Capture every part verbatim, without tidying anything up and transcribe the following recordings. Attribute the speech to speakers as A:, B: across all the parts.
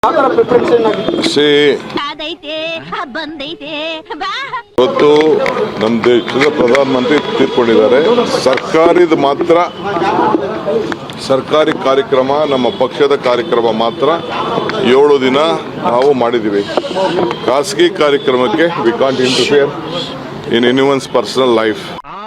A: ಇವತ್ತು ನಮ್ಮ ದೇಶದ ಪ್ರಧಾನಮಂತ್ರಿ ತೀರ್ಕೊಂಡಿದ್ದಾರೆ. ಸರ್ಕಾರದ ಮಾತ್ರ ಸರ್ಕಾರಿ ಕಾರ್ಯಕ್ರಮ, ನಮ್ಮ ಪಕ್ಷದ ಕಾರ್ಯಕ್ರಮ ಮಾತ್ರ ಏಳು ದಿನ ನಾವು ಮಾಡಿದ್ದೀವಿ. ಖಾಸಗಿ ಕಾರ್ಯಕ್ರಮಕ್ಕೆ we can't interfere in anyone's personal life.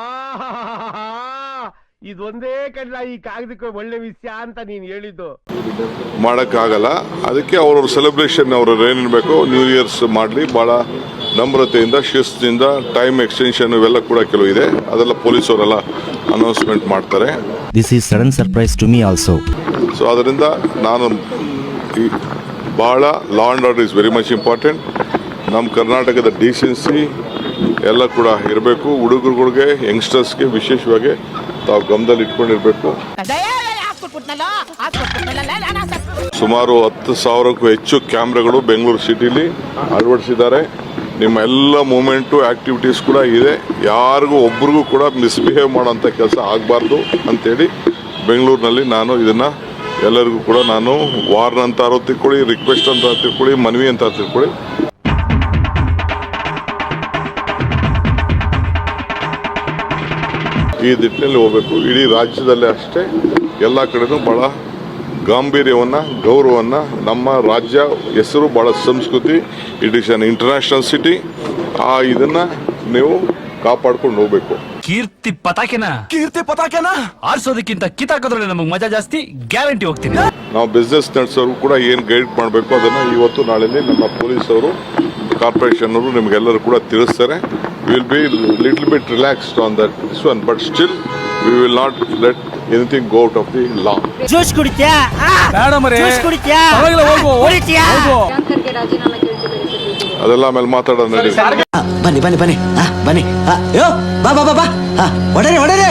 B: ಇದೊಂದೇ ಕಡ್ಲ ಈ ಕಾಗದಕ್ಕೆ ಒಳ್ಳೆ ವಿಷಯ ಅಂತ ನೀನು ಹೇಳಿದ್ದು
A: ಮಾಡೋಕ್ಕಾಗಲ್ಲ. ಅದಕ್ಕೆ ಅವ್ರವ್ರ ಸೆಲೆಬ್ರೇಷನ್ ಅವ್ರವ್ರು ಏನಿರಬೇಕು ನ್ಯೂ ಇಯರ್ಸ್ ಮಾಡಲಿ, ಭಾಳ ನಮ್ರತೆಯಿಂದ ಶಿಸ್ತಿನಿಂದ. ಟೈಮ್ ಎಕ್ಸ್ಟೆನ್ಷನ್ ಇವೆಲ್ಲ ಕೂಡ ಕೆಲವು ಇದೆ, ಅದೆಲ್ಲ ಪೊಲೀಸವರೆಲ್ಲ ಅನೌನ್ಸ್ಮೆಂಟ್ ಮಾಡ್ತಾರೆ.
C: This is sudden surprise to me also.
A: So ಅದರಿಂದ ನಾನು ಈ ಭಾಳ law and order is very much important. ನಮ್ಮ ಕರ್ನಾಟಕದ ಡೀಸೆನ್ಸಿ ಎಲ್ಲ ಕೂಡ ಇರಬೇಕು. ಹುಡುಗರುಗಳಿಗೆ, ಯಂಗ್ಸ್ಟರ್ಸ್ಗೆ ವಿಶೇಷವಾಗಿ ತಾವು ಗಮನದಲ್ಲಿ ಇಟ್ಕೊಂಡಿರಬೇಕು. ಸುಮಾರು ಹತ್ತು ಸಾವಿರಕ್ಕೂ ಹೆಚ್ಚು ಕ್ಯಾಮ್ರಾಗಳು ಬೆಂಗಳೂರು ಸಿಟಿಲಿ ಅಳವಡಿಸಿದ್ದಾರೆ. ನಿಮ್ಮ ಎಲ್ಲ ಮೂಮೆಂಟು ಆಕ್ಟಿವಿಟೀಸ್ ಕೂಡ ಇದೆ. ಯಾರಿಗೂ ಒಬ್ರಿಗೂ ಕೂಡ ಮಿಸ್ಬಿಹೇವ್ ಮಾಡೋಂಥ ಕೆಲಸ ಆಗಬಾರ್ದು ಅಂತೇಳಿ ಬೆಂಗಳೂರಿನಲ್ಲಿ ನಾನು ಇದನ್ನು ಎಲ್ಲರಿಗೂ ಕೂಡ ನಾನು ವಾರ್ನ್ ಅಂತ ತಿಳ್ಕೊಳ್ಳಿ, ರಿಕ್ವೆಸ್ಟ್ ಅಂತ ತಿಳ್ಕೊಳ್ಳಿ, ಮನವಿ ಅಂತ ತಿಳ್ಕೊಳ್ಳಿ. ಈ ದಿಟ್ಟಿನಲ್ಲಿ ಹೋಗಬೇಕು. ಇಡೀ ರಾಜ್ಯದಲ್ಲೇ ಅಷ್ಟೇ ಎಲ್ಲ ಕಡೆನೂ ಭಾಳ ಗಾಂಭೀರ್ಯವನ್ನು, ಗೌರವವನ್ನು, ನಮ್ಮ ರಾಜ್ಯ ಹೆಸರು ಭಾಳ ಸಂಸ್ಕೃತಿ, it is an international city. ಆ ಇದನ್ನು ನೀವು ಕಾಪಾಡ್ಕೊಂಡು ಹೋಗ್ಬೇಕು.
D: ಕೀರ್ತಿ ಪತಾಕೆನ ಕೀರ್ತಿ ಪತಾಕೆನ ಆರಿಸೋದಕ್ಕಿಂತ ಕಿತ್ತಾಕೋದ್ರಲ್ಲಿ ನಮಗೆ ಮಜಾ ಜಾಸ್ತಿ. ಗ್ಯಾರಂಟಿ ಹೋಗ್ತೀನಿ.
A: ನಾವು ಬಿಸ್ನೆಸ್ ನಡೆಸೋರು ಕೂಡ ಏನು ಗೈಡ್ ಮಾಡಬೇಕು ಅದನ್ನು ಇವತ್ತು ನಾಳೆಯಲ್ಲಿ ನಮ್ಮ ಪೊಲೀಸವರು, ಕಾರ್ಪೊರೇಷನ್ ಅವರು ನಿಮಗೆಲ್ಲರೂ ಕೂಡ ತಿಳಿಸ್ತಾರೆ. Will be little bit relaxed on that this one, but still we will not let anything go out of the law.
E: Juice ಕುಡಿತ್ಯಾ? ಬೇಡ ಮರೆ. ಜ್ಯೂಸ್ ಕುಡಿತ್ಯಾ? ಹೋಗು. ಕುಡಿತ್ಯಾ?
A: ಅದೆಲ್ಲ ಆಮೇಲೆ ಮಾತಾಡೋಣ ನಡಿ.
C: ಬನ್ನಿ ಬನ್ನಿ ಬನ್ನಿ ಬನ್ನಿ. ಅಯ್ಯೋ ಬಾ ಬಾ ಬಾ ಬಾ. ಹೊಡರೆ ಹೊಡರೆ.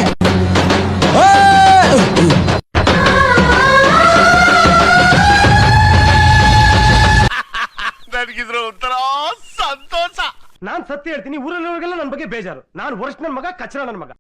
B: ನನಗಿದ್ರ ಒಂಥರ ಸಂತೋಷ. ನಾನ್ ಸತ್ಯ ಹೇಳ್ತೀನಿ, ಊರಲ್ಲಿರೋರಿಗೆಲ್ಲ ನನ್ನ ಬಗ್ಗೆ ಬೇಜಾರು. ನಾನು ವರ್ಷ ನನ್ನ ಮಗ, ಕಚ್ಚರ ನನ್ನ ಮಗ.